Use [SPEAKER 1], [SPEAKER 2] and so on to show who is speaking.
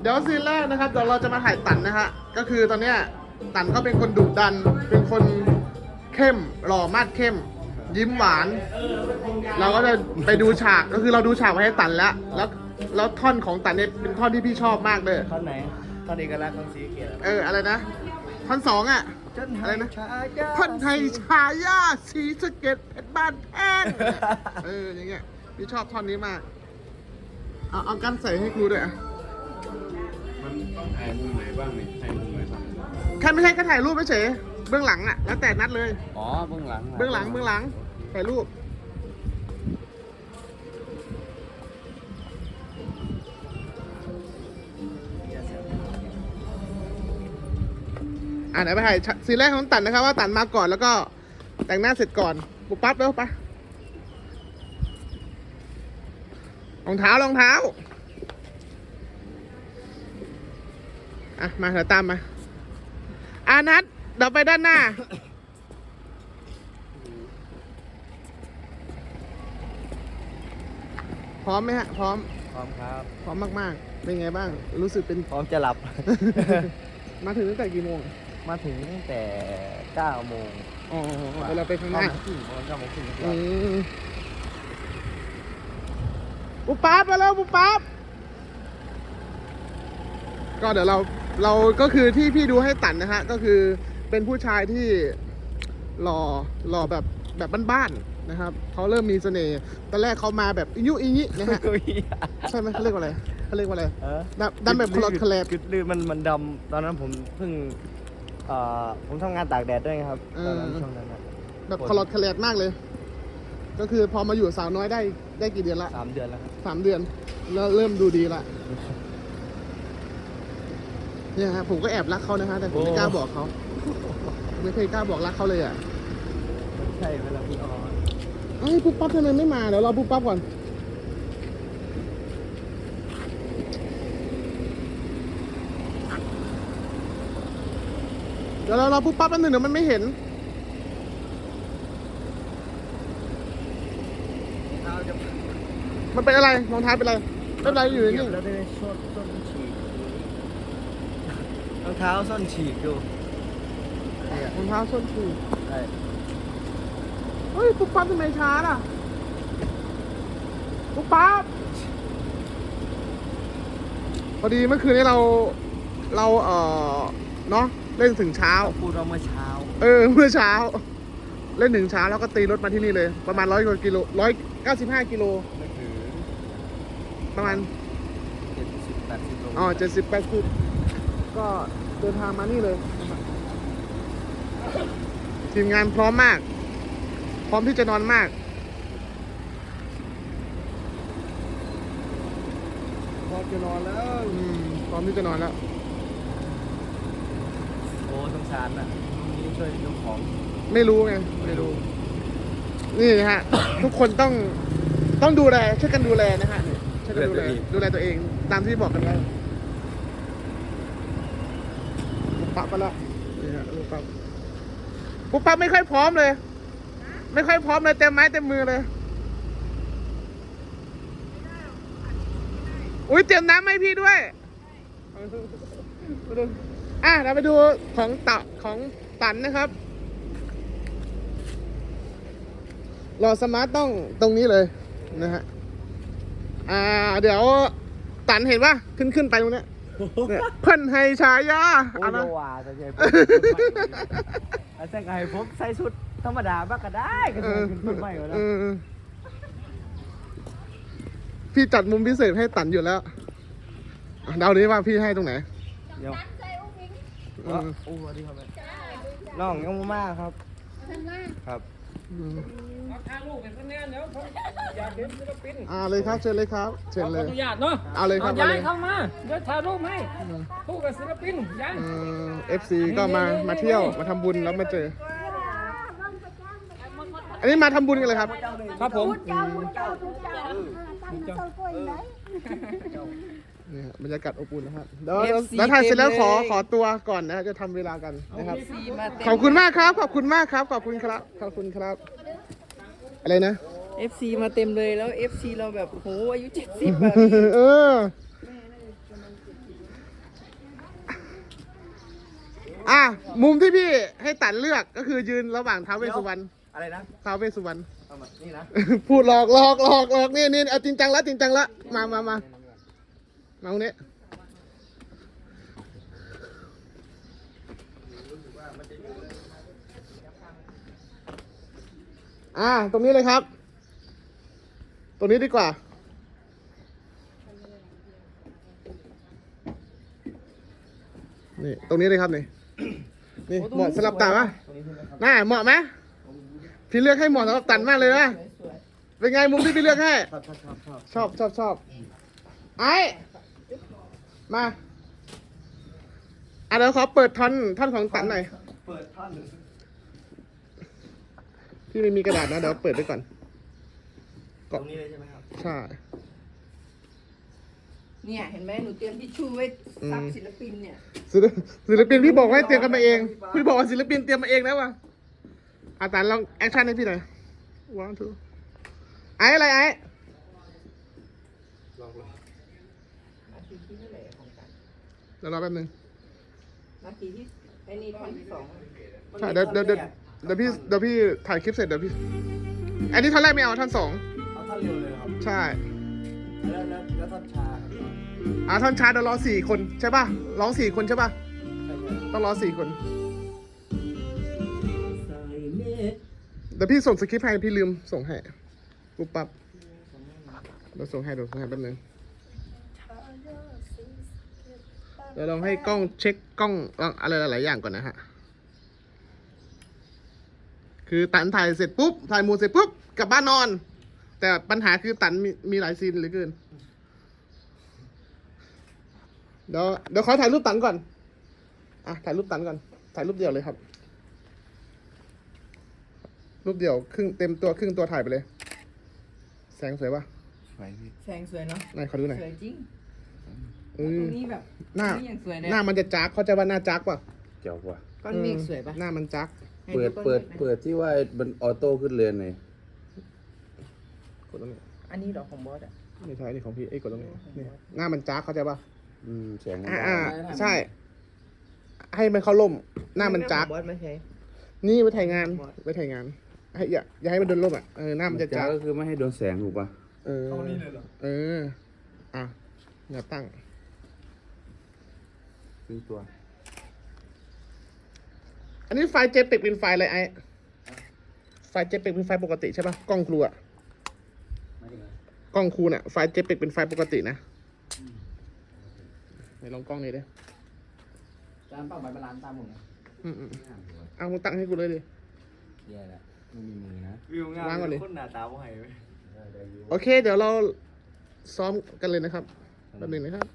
[SPEAKER 1] เดี๋ยวซีนแรกนะครับเดี๋ยวเราจะมาถ่ายตันนะฮะก็คือตอนเนี้ยตันเขาเป็นคนดุดันเป็นคนเข้มหล่อมาดเข้ม ยิ้มหวาน เราก็จะไปดูฉากก็คือเราดูฉากไว้ให้ตันแล้วท่อนของตันเนี่ยเป็นท่อนที่พี่ชอบมากเลย
[SPEAKER 2] ท่อนไหนท่อนเอกลักษณ์ของสีเกียรติ
[SPEAKER 1] อะไรนะท่อนสองอ่ะอะไรนะท่อนไทยชายาสีสะเก็ดเพชรบ้านแพงอย่างเงี้ยพี่ชอบท่อนนี้มากเอากันใส่ให้ครูด้วยอ่ะ
[SPEAKER 3] มันต้องถ่ายมุมไหนบ้างเนี่ยถ่ายมุมไหนบ้าง
[SPEAKER 1] แค่ไม่ใช่แค่ถ่ายรูปเฉยเบื้องหลังอ่ะแล้วแต่นัดเลย
[SPEAKER 2] อ๋อเบื้องหลัง
[SPEAKER 1] เบื้องหลังถ่ายรูปไหนไปถ่ายซีนแรกของตันนะครับว่าตันมาก่อนแล้วก็แต่งหน้าเสร็จก่อนปุ๊บปั๊บแล้วไปรองเท้ามาเดี๋ยวตามมานัดเดี๋ยวไปด้านหน้าพร้อมไหมฮะพร้อม
[SPEAKER 2] ครับ
[SPEAKER 1] พร้อมมากๆเป็นไงบ้างรู้สึกเป็น
[SPEAKER 2] พร้อมจะหลับ
[SPEAKER 1] มาถึงตั้งแต่กี่โมง
[SPEAKER 2] มาถึงตั้งแต่9 โมง
[SPEAKER 1] เราไปข้างหน้า
[SPEAKER 2] 9 โมงครึ่ง
[SPEAKER 1] ปุ๊บปั๊บมาแล้วปุ๊บปั๊บก็เดี๋ยวเราก็คือที่พี่ดูให้ตันนะฮะก็คือเป็นผู้ชายที่หล่อแบบบ้านๆนะครับเขาเริ่มมีเสน่ห์ตอนแรกเขามาแบบอิยุอิยินะฮะใช่ไหมเขาเรียกว่าอะไรดำแบบคลอดคลแลบ
[SPEAKER 2] กึดลือมันดำตอนนั้นผมเพิ่งผมทำงานตากแดดด้วยครับตอนนั้นช่วงนั้น
[SPEAKER 1] แบบคลอดคลแลบมากเลย ก็คือพอมาอยู่สาวน้อยได้กี่เดือนละ
[SPEAKER 2] 3 เดือนแล้วครับ
[SPEAKER 1] 3 เดือนแล้วเริ่มดูดีละเนี่ยฮะผมก็แอบรักเขานะฮะแต่ผมไม่กล้าบอกเขาไม่เคยกล้าบอกรักเขาเลยอ่ะ
[SPEAKER 2] ใช่เวลาพี่ออน
[SPEAKER 1] ปุ๊บปั๊บทำไมไม่มาเดี๋ยวรอปุ๊บปั๊บก่อนเดี๋ยวเรารอปุ๊บปั๊บอันหนึ่งเดี๋ยวมันไม่เห็นมันเป็นอะไรรองเท้าเป็นอะไรไม่เป็นไรอยู่นี่
[SPEAKER 2] แล้วได้ส้นฉีกรองเท้าส้นฉีกดู
[SPEAKER 1] รองเท้าส้นสูง
[SPEAKER 2] ใช่
[SPEAKER 1] เฮ้ยปุ๊บปั๊บทำไมช้าล่ะปุ๊บปั๊บพอดีเมื่อคืนนี้เราเนาะเล่นถึงเช้า
[SPEAKER 2] พูดเราเมื่อเช้า
[SPEAKER 1] เมื่อเช้าเล่นถึงเช้าแล้วก็ตีรถมาที่นี่เลยประมาณ100 กว่ากิโล195 กิโล
[SPEAKER 2] ไม่ถึง
[SPEAKER 1] ประมาณ
[SPEAKER 2] 70-80 โล
[SPEAKER 1] 70-80ก็เดินทางมานี่เลยทีมงานพร้อมมากพร้อมที่จะนอนมากพร้อมจะนอนแล้วพร้อมที่จะนอนแล้ว
[SPEAKER 2] โอ้สงสารอ่ะนี่ช่วยยกของ
[SPEAKER 1] ไม่รู้ไงไม่รู้นี่ฮะ ทุกคนต้องดูแลช่วยกันดูแลนะฮะช่วยกันดูแลตัวเองตามที่บอกกันไว้ปุ๊บปั๊บมาแล้วนี่ฮะปุ๊บปั๊บไม่ค่อยพร้อมเลยเต็มไม้เต็มมือเลยอุ้ยเตรียมน้ำให้พี่ด้วยเราไปดูของตันนะครับรอสมาร์ทต้องตรงนี้เลยนะฮะเดี๋ยวตันเห็นป่ะขึ้นไปตรงเนี้ยเพิ่นให้ฉายา
[SPEAKER 2] โอ้ยว่าจะใช่ผมอาจารย์ไก่ผมใส่ชุดธรรมดาบ้างก็ได้ก็จะขึ้นไม่ก็ได้
[SPEAKER 1] พี่จัดมุมพิเศษให้ตันอยู่แล้วเดาดิว่าพี่ให้ตรงไหน
[SPEAKER 2] เดี๋ยวโอ้สวัสดีครับน้องยังมากครับครับ
[SPEAKER 4] ถ่ายรูปเป็นคะแนนเดี๋ยวผมอยากเห็นศิลปิน
[SPEAKER 1] เลยครับเชิญเลยครับเชิญเลย
[SPEAKER 4] ขออนุญาตเนาะ
[SPEAKER 1] เอาเลยครับ
[SPEAKER 4] ย้ายเข้ามาเดี๋ยวถ่ายรูปให้คู่กับศิลปินย้าย
[SPEAKER 1] FC ก็มาเที่ยวมาทำบุญแล้วมาเจออันนี้มาทำบุญกันเลยครับ
[SPEAKER 4] ครับผม
[SPEAKER 1] เนี่ยบรรยากาศอบอุ่นนะครับแล้วถ่ายเสร็จแล้วขอตัวก่อนนะจะทำเวลากันนะครับขอบคุณมากครับขอบคุณครับอะไรนะ
[SPEAKER 5] FC มาเต็มเลยแล้ว FC เราแบบโหอายุ70แบบ
[SPEAKER 1] เออมุมที่พี่ให้ตันเลือกก็คือยืนระหว่างท้าวเวสสุวรรณ
[SPEAKER 2] อะไรนะ
[SPEAKER 1] ท้าวเวสสุวรรณ
[SPEAKER 2] เอามานี่นะ
[SPEAKER 1] พูดหลอกนี่เอาจริงจังละมาตรงนี้ตรงนี้เลยครับ ตรงนี้ดีกว่านี่ตรงนี้เลยครับนี่เหมาะสำหรับตันปะ
[SPEAKER 2] ตรงนี้ใช่ไหมครับ
[SPEAKER 1] น่าเหมาะไหมพี่เลือกให้เหมาะสำหรับตันมากเลยนะเป็นไงมุมที่พี่เลือกให้ ชอบไอ้มาเดี๋ยวขอเปิดท่อนของตันหน่อย
[SPEAKER 2] เปิดท่อน
[SPEAKER 1] พี่ไม่มีกระดาษนะเดี๋ยวเปิดไว้ก่อน
[SPEAKER 2] ตรงนี้เลยใช่ไหมครับ
[SPEAKER 1] ใช่
[SPEAKER 5] เนี่ยเห็นไหมหนูเตรียมทิชชู่ไว้ซับศิลปินเนี่ย
[SPEAKER 1] ศิลปินพี่บอกให้เตรียมกันมาเองพี่บอกว่าศิลปินเตรียมมาเองนะวะตันลองแอคชั่นให้พี่หน่อย 1 2ไอ้อะไรไอ้
[SPEAKER 5] นาทีที่เท่าไหร่ของกัน
[SPEAKER 1] เดี๋ยวรอแป๊บนึง
[SPEAKER 5] นาทีที่ไอ้นี่ท่อนที่สอง
[SPEAKER 1] ใช่เดี๋ยวพี่ถ่ายคลิปเสร็จเดี๋ยวพี่อันนี้ท่อนแรกไม่เอาท่อน 2
[SPEAKER 2] เอาท่อนเร็วเลยครับ
[SPEAKER 1] ใช่
[SPEAKER 2] แล้วท่อนชาครับ
[SPEAKER 1] ท่อนชาร์จเดี๋ยวรอ4 คนใช่ป่ะร้อง4 คนใช่ป่ะ
[SPEAKER 2] ใช่
[SPEAKER 1] ต้องรอ4 คน
[SPEAKER 2] ใส่เม็ด
[SPEAKER 1] เดี๋ยวพี่ส่งสคริปต์ให้พี่ลืมส่งให้ปุ๊บปั๊บเดี๋ยวส่งให้แป๊บนึงเดี๋ยวลองให้กล้องเช็คกล้องอะไรหลายๆอย่างก่อนนะฮะคือตันถ่ายเสร็จปุ๊บถ่ายหมูเสร็จปุ๊บกลับบ้านนอน แต่ปัญหาคือตันมีหลายซีนเหลือเกินเดี๋ยวขอถ่ายรูปตันก่อนถ่ายรูปตันก่อนถ่ายรูปเดียวเลยครับ รูปเดียวครึ่งเต็มตัวครึ่งตัวถ่ายไปเลย แสงสวยปะ
[SPEAKER 3] ไฟพี่
[SPEAKER 5] แสงสวยเนาะ
[SPEAKER 1] ไหนขอดูหน่อย
[SPEAKER 5] สวยจริง
[SPEAKER 1] เอ
[SPEAKER 5] ตร
[SPEAKER 1] อง
[SPEAKER 5] นี้แบบ
[SPEAKER 1] หน้า
[SPEAKER 5] นี่ยังสวยเลย
[SPEAKER 1] หน้ามันจะจักเขาใจว่าหน้าจักป่ะ
[SPEAKER 3] เจ๋วกว่า
[SPEAKER 5] ก้อนเมฆสวยปะ
[SPEAKER 1] หน้ามันจัก
[SPEAKER 5] ให้
[SPEAKER 3] เปิด
[SPEAKER 5] ก้อน
[SPEAKER 3] เปิด
[SPEAKER 5] มฆหน่อย
[SPEAKER 3] เปิดที่ว่ามันออโต้ขึ้นเรือนหน่อย
[SPEAKER 1] กดตรงนี้
[SPEAKER 5] อันนี้เหรอของบอสอ่ะ
[SPEAKER 1] ไม่ใช่นี่ของพี่กดตรงนี้นี่หน้ามันจักเข้าใจป่ะ
[SPEAKER 3] แสงมัน
[SPEAKER 1] ใช่ ให้มันเข้าร่ม หน้ามันจัก
[SPEAKER 5] ของบอสไม่ใช่
[SPEAKER 1] นี่ไว้ถ่ายงานให้อย่าให้มันโดนร่มหน้ามันจะ
[SPEAKER 3] จ้า
[SPEAKER 1] จัก
[SPEAKER 3] ก็คือไม่ให้โดนแสงถูกป่ะ
[SPEAKER 2] เข้านี่เลยเหรอ
[SPEAKER 1] อย่าตั้ง
[SPEAKER 3] ซึ่งตัว
[SPEAKER 1] อันนี้ไฟล์ JPEG เป็นไฟล์อะไรไอ้ไฟล์ JPEG เป็นไฟล์ปกติใช่ป่ะกล้องครูกล้องครูน่ะไฟล์ JPEG เป็นไฟล์ปกตินะไหนลองกล้องนี้ดิ
[SPEAKER 2] จานเป้าใบบาลานตามผมนะ
[SPEAKER 1] เอามึงตั้งให้กูเลยดิ
[SPEAKER 3] แย่แล้วไม่มีมือนะ
[SPEAKER 2] วิวงาม
[SPEAKER 1] วางก่อนดิ
[SPEAKER 2] คนหน้าตาบ่ให้เว้ย
[SPEAKER 1] โอเค เดี๋ยวเราซ้อมกันเลยนะครับแป๊บนึงนะครับ